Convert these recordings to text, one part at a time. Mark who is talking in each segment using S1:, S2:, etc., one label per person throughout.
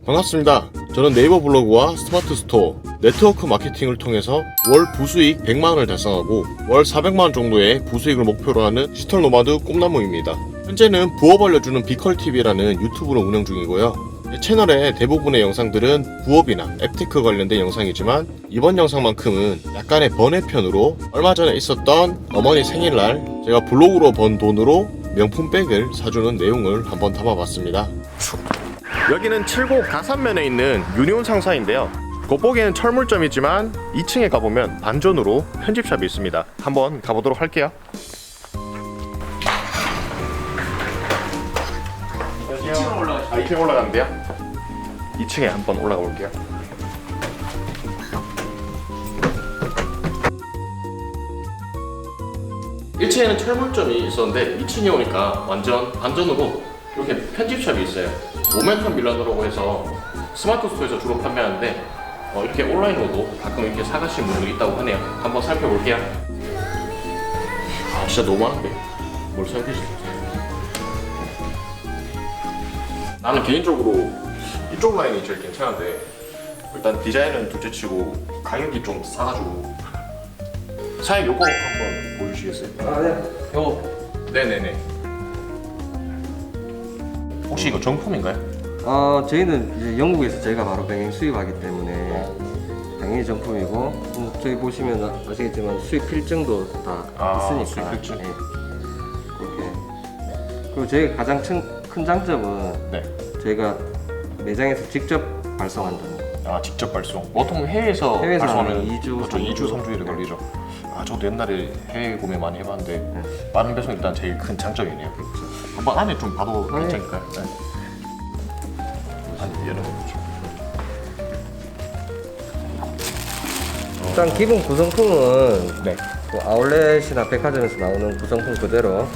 S1: 반갑습니다. 저는 네이버 블로그와 스마트 스토어, 네트워크 마케팅을 통해서 월 부수익 100만원을 달성하고 월 400만원 정도의 부수익을 목표로 하는 디지털 노마드 꿈나무입니다. 현재는 부업 알려주는 비컬TV라는 유튜브를 운영 중이고요. 제 채널의 대부분의 영상들은 부업이나 앱테크 관련된 영상이지만 이번 영상만큼은 약간의 번외편으로 얼마 전에 있었던 어머니 생일날 제가 블로그로 번 돈으로 명품 백을 사주는 내용을 한번 담아봤습니다. 여기는 칠곡 가산면에 있는 유니온 상사인데요. 겉보기에는 철물점이지만 2층에 가보면 반전으로 편집샵이 있습니다. 한번 가보도록 할게요. 안녕하세요. 2층 올라가는데요. 2층에 한번 올라가 볼게요. (1층에는) 철물점이 있었는데 2층에 오니까 완전 반전으로 이렇게 편집샵이 있어요. 모멘텀 밀라노라고 해서 스마트 스토어에서 주로 판매하는데 이렇게 온라인으로도 가끔 이렇게 사가시는 분들이 있다고 하네요. 한번 살펴볼게요. 아 진짜 너무 많은데 뭘 사야 되지? 나는 개인적으로 이쪽 라인이 제일 괜찮은데 일단 디자인은 둘째치고 가격이 좀 싸가지고 사장님 요거 한번 보여주시겠어요?
S2: 아, 네.
S1: 요거 네네네. 혹시 이거 정품인가요?
S2: 저희는 이제 영국에서 저희가 바로 병행 수입하기 때문에 당연히 정품이고, 저기 보시면 아시겠지만 수입 필증도 다 있으니까.
S1: 수입 필증.
S2: 네. 그렇게. 그리고 저희가 가장 큰 장점은
S1: 네.
S2: 저희가 매장에서 직접 발송한다는 거.
S1: 아 직접 발송. 보통 해외에서
S2: 해외에서
S1: 발송하면
S2: 하면 2주,
S1: 그렇죠, 2주
S2: 3주
S1: 3주일이 걸리죠. 아 저도 옛날에 해외 구매 많이 해봤는데
S2: 네.
S1: 빠른 배송 일단 제일 큰 장점이네요. 한번 안에 좀 봐도
S2: 아, 네.
S1: 괜찮을까요? 네. 안에 열어보죠.
S2: 일단 기본 구성품은
S1: 네.
S2: 그 아울렛이나 백화점에서 나오는 구성품 그대로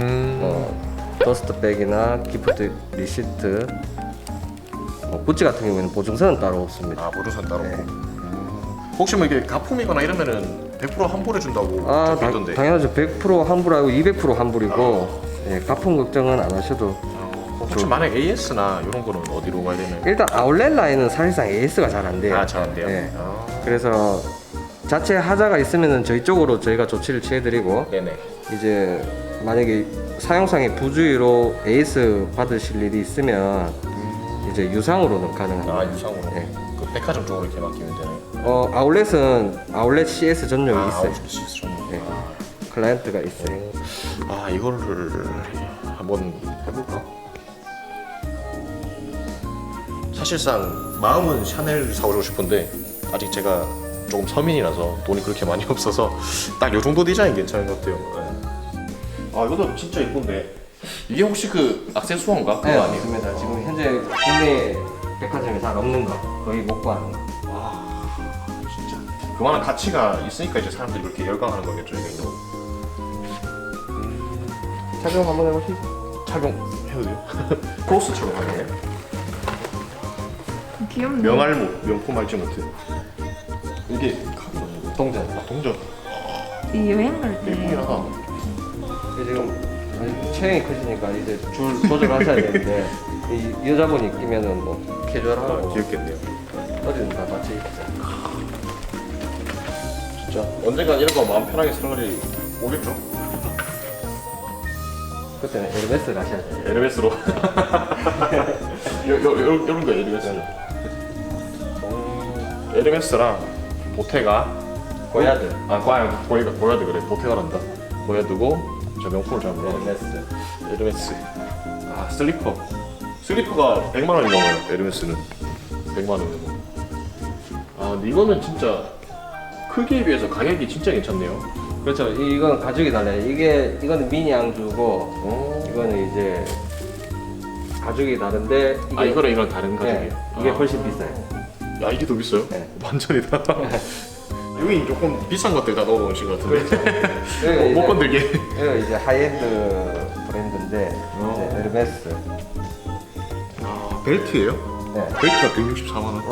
S2: 더스트백이나 기프트 리시트, 구찌 같은 경우에는 보증서는 따로 없습니다.
S1: 아 보조선 따로
S2: 네.
S1: 없고. 혹시 뭐 이게 가품이거나 이러면은 100% 환불해준다고 적혀있던데.
S2: 당연하죠. 100% 환불하고 200% 환불이고, 예, 가품 걱정은 안 하셔도.
S1: 혹시 만약 AS나 이런 거는 어디로 가야 되나요?
S2: 일단 아울렛 라인은 사실상 AS가 잘 안 돼요.
S1: 아 잘 안 돼요?
S2: 예.
S1: 아.
S2: 그래서 자체 하자가 있으면은 저희 쪽으로 저희가 조치를 취해드리고,
S1: 네네.
S2: 이제 만약에 사용상의 부주의로 AS 받으실 일이 있으면 이제 유상으로는 가능합니다.
S1: 아 유상으로.
S2: 예.
S1: 그 백화점 쪽으로 이렇게 맡기면 되나요?
S2: 아울렛은 아울렛 CS 전용이 있어요.
S1: 아웃시스 좀.
S2: 네. 클라이언트가 있어요.
S1: 아 이거를 한번 해볼까? 사실상 마음은 샤넬 사오고 싶은데 아직 제가 조금 서민이라서 돈이 그렇게 많이 없어서 딱 요 정도 디자인 괜찮은 것 같아요. 네. 아 이것도 진짜 예쁜데 이게 혹시 그 액세수어인가? 그거
S2: 네,
S1: 아니에요?
S2: 맞습니다. 지금 현재 국내 백화점에 잘 없는 거, 거의 못 구하는 거.
S1: 진짜 그만한 가치가 있으니까 이제 사람들이 그렇게 열광하는 거겠죠 이게.
S2: 착용 한번 해보시죠.
S1: 착용해도 돼요? 크로스처럼 하네.
S3: 귀엽네.
S1: 명알모 명품 알지 못해. 이게 카드가
S2: 동전.
S1: 동전.
S3: 이 여행 갈
S1: 예쁘긴
S3: 때
S1: 하다.
S2: 지금 체형이 크시니까 이제 줄 조절하셔야 되는데 이 여자분이 끼면은 뭐 캐주얼하고
S1: 귀엽겠네요.
S2: 어디든 다 같이 입죠.
S1: 진짜 언젠간 이런 거 마음 편하게 쓰는 날이 오겠죠?
S2: 그때는 에르메스 가셔야 돼요.
S1: 에르메스로. 이런 거 에르메스. 에르메스랑 보테가
S2: 고야드.
S1: 고야드 그래. 보테가란다. 고야드고 저 명품을 잘 몰라.
S2: 에르메스.
S1: 에르메스. 아 슬리퍼가 100만 원이 넘어요. 에르메스는 100만 원이고. 아 근데 이거는 진짜 크기에 비해서 가격이 진짜 괜찮네요.
S2: 그렇죠. 이건 가죽이 달라요. 이거는 미니 앙주고 이거는 이제 가죽이 다른데
S1: 이거랑 다른 가격이에요.
S2: 네, 이게 훨씬 비싸요.
S1: 야 이게 더 비싸요?
S2: 네.
S1: 완전이다. 여기 조금 비싼 것들 다 넣어놓으신 것 같은데.
S2: 여기가
S1: 못
S2: 이제-
S1: 건들게.
S2: 이거 이제 하이엔드 브랜드인데 이제 에르메스.
S1: 아 벨트예요?
S2: 네.
S1: 벨트가 164만 원.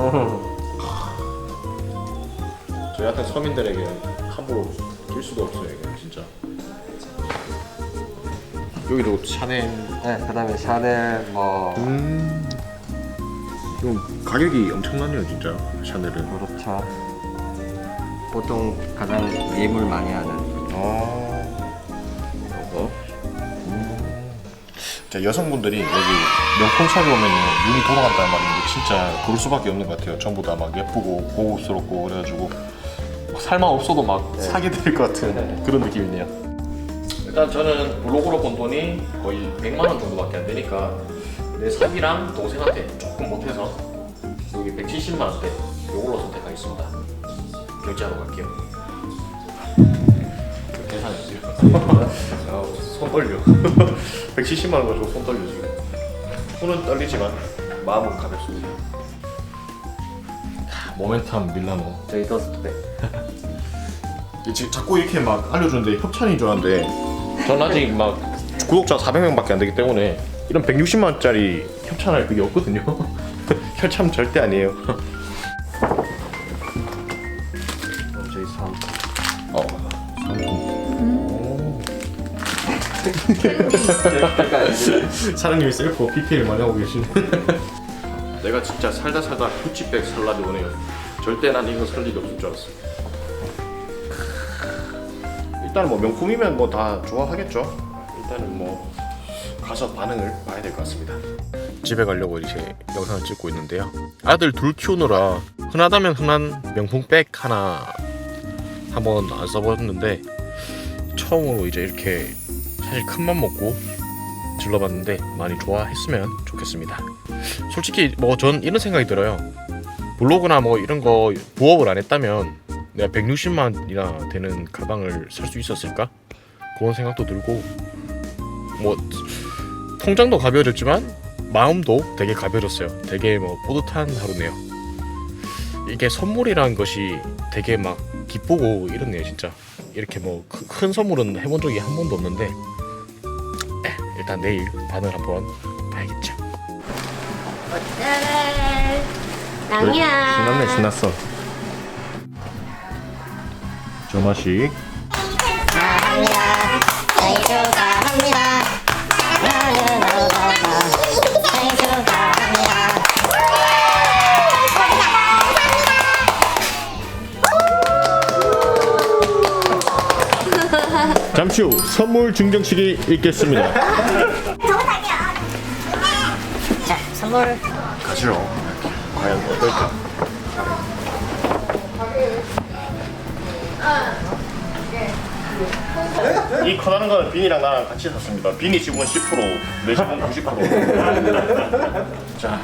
S1: 저희 같은 서민들에게는 함부로 낄 수도 없어요 이게 진짜. 여기도 샤넬.
S2: 네, 그다음에 샤넬 뭐
S1: 그럼 가격이 엄청나네요 진짜 샤넬은.
S2: 그렇죠. 보통 가장 예물 많이 하는.
S1: 요거. 자, 여성분들이 여기 명품샵에 오면 눈이 돌아간다는 말인데 진짜 그럴 수밖에 없는 것 같아요. 전부 다 막 예쁘고 고급스럽고 그래가지고 막 살만 없어도 막 사게 될 것 같은 그런 느낌이네요. 일단 저는 블로그로 번 돈이 거의 100만 원 정도밖에 안 되니까 내 사기랑 동생한테 조금 못해서 여기 170만 원대 요걸로 선택하겠습니다. 결제하러 갈게요. 계산했어요. 손 떨려. 170만 원 가지고 손 떨려 지금. 손은 떨리지만 마음은 가볍습니다. 모멘텀 밀라노.
S2: 저희 더스트백.
S1: 지금 자꾸 이렇게 막 알려주는데 협찬인 줄 알았는데 전 아직 막 구독자 400명밖에 안 되기 때문에 이런 160만 원짜리 협찬할 그게 없거든요. 협찬 절대 아니에요.
S2: 저희 3.
S1: 사장님이 셀프 PPL 많이 하고 계시네. 내가 진짜 살다 구찌백 살라도 오네요. 절대 난 이거 살 일이 없을 줄 알았어. 일단은 뭐 명품이면 뭐 다 좋아하겠죠. 일단은 뭐 가서 반응을 봐야 될 것 같습니다. 집에 가려고 이제 영상을 찍고 있는데요. 아들 둘 키우느라 흔하다면 흔한 명품백 하나 한번 안 써봤는데 처음으로 이제 이렇게 사실 큰맘 먹고 질러봤는데 많이 좋아했으면 좋겠습니다. 솔직히 뭐 전 이런 생각이 들어요. 블로그나 뭐 이런 거 부업을 안 했다면 내가 160만 원이나 되는 가방을 살 수 있었을까? 그런 생각도 들고 뭐 통장도 가벼워졌지만 마음도 되게 가벼워졌어요. 되게 뭐 뿌듯한 하루네요. 이게 선물이라는 것이 되게 막 기쁘고 이렇네요 진짜. 이렇게 뭐 큰 선물은 해본 적이 한 번도 없는데 일단 내일 반응을 한번 봐야겠죠.
S3: 어때? 낭이야.
S1: 신났어. 저 맛이
S4: 축하합니다. 생일 축하합니다. 사랑하는 오빠가 생일 축하합니다.
S1: 잠시 후 선물 증정식이 있겠습니다.
S4: 자, 선물.
S1: 가시죠. 과연 어떨까? 이 커다란 거는 빈이랑 나랑 같이 샀습니다. 빈이 지분 10%, 내 지분 90%. 자,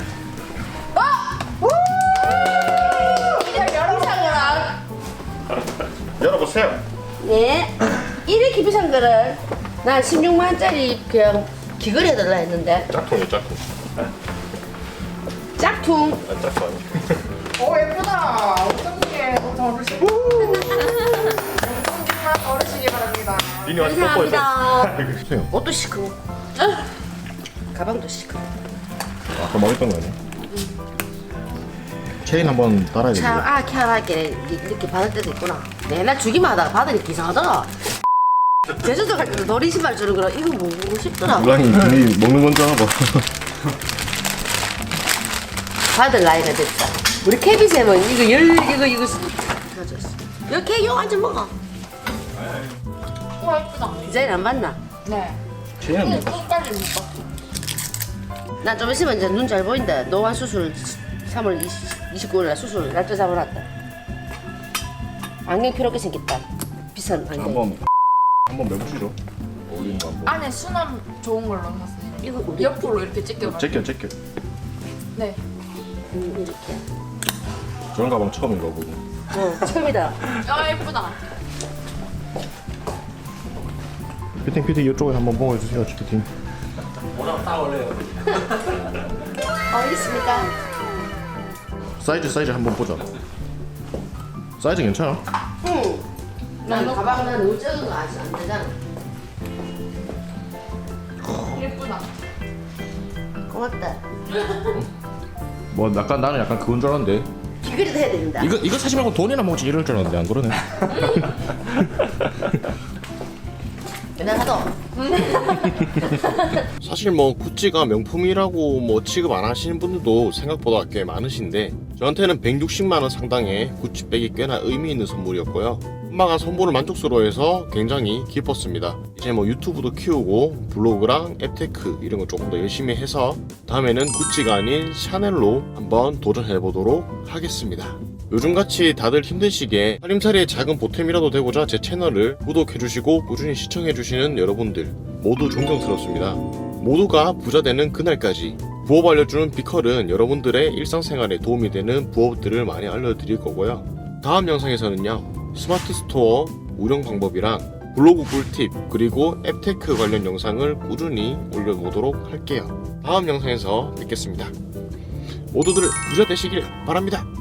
S1: 열어보세요.
S5: 네. 이렇게 비싼 거를 난 16만 원짜리 그냥 귀걸이 해달라 했는데
S1: 짝퉁이요, 짝퉁.
S5: 짝퉁.
S1: 아, 짝퉁 아니에요.
S6: 오 예쁘다. 어떡해. 어르신. 어르신이 바랍니다.
S1: 빈이 와서 뽀뽀해서.
S5: 감사합니다.
S1: 주세요.
S5: 옷도 시크고 가방도 시크고.
S1: 아까 먹었던 거 아니야? 체인 한번 달아야
S5: 참
S1: 되는데.
S5: 희한하게 이렇게 받을 때도 있구나. 맨날 주기만 하다가 받으니까 이상하더라. 제주도 갈 때도 너리 신발 주는 거라 이거 먹고 싶더라.
S1: 무랑이 빈이 먹는 건 줄 알아봐.
S5: 받을 나이가 됐다. 우리 케비쌤은 이거 가졌어. 이거 케이크 완전 먹어.
S6: 와 예쁘다.
S5: 디자인 안 봤나?
S6: 네.
S1: 체인은
S6: 끝까지 못 봤어.
S5: 난 좀 있으면 이제 눈 잘 보인다. 노안 수술 3월 29일 날 수술 날짜 잡아놨다. 안경 필요하게 생겼다. 비싼 안경.
S1: 한번 매보시죠. 어울리는 거 한번.
S6: 안에 수남 좋은 걸로 샀어요.
S5: 이거 우리
S6: 옆으로 이렇게 찢겨가지고.
S1: 제껴.
S6: 네.
S5: 이렇게.
S1: 저런 가방 처음인 거 보고.
S5: 처음이다.
S6: 아 예쁘다.
S1: 피팅 이쪽에 한번 보여주세요, 피팅.
S5: 어딨습니까?
S1: 사이즈 한번 보자. 사이즈 괜찮아?
S5: 응. 난 가방은 너무 작은 거 아직 안 되잖아.
S6: 예쁘다.
S5: 고맙다.
S1: 뭐 나는 약간 그건 줄 알았는데.
S5: 귀걸이도 해야 된다.
S1: 이거 사지 말고 돈이나 먹지 이럴 줄 알았는데 안 그러네.
S5: 맨날 하도.
S1: 사실 뭐 구찌가 명품이라고 뭐 취급 안 하시는 분들도 생각보다 꽤 많으신데 저한테는 160만원 상당의 구찌백이 꽤나 의미 있는 선물이었고요. 엄마가 선물을 만족스러워해서 굉장히 기뻤습니다. 이제 뭐 유튜브도 키우고 블로그랑 앱테크 이런 거 조금 더 열심히 해서 다음에는 구찌가 아닌 샤넬로 한번 도전해보도록 하겠습니다. 요즘같이 다들 힘든 시기에 살림살이의 작은 보탬이라도 되고자 제 채널을 구독해주시고 꾸준히 시청해주시는 여러분들 모두 존경스럽습니다. 모두가 부자 되는 그날까지 부업 알려주는 비컬은 여러분들의 일상생활에 도움이 되는 부업들을 많이 알려드릴 거고요. 다음 영상에서는요, 스마트 스토어 운영 방법이랑 블로그 꿀팁 그리고 앱테크 관련 영상을 꾸준히 올려보도록 할게요. 다음 영상에서 뵙겠습니다. 모두들 부자 되시길 바랍니다.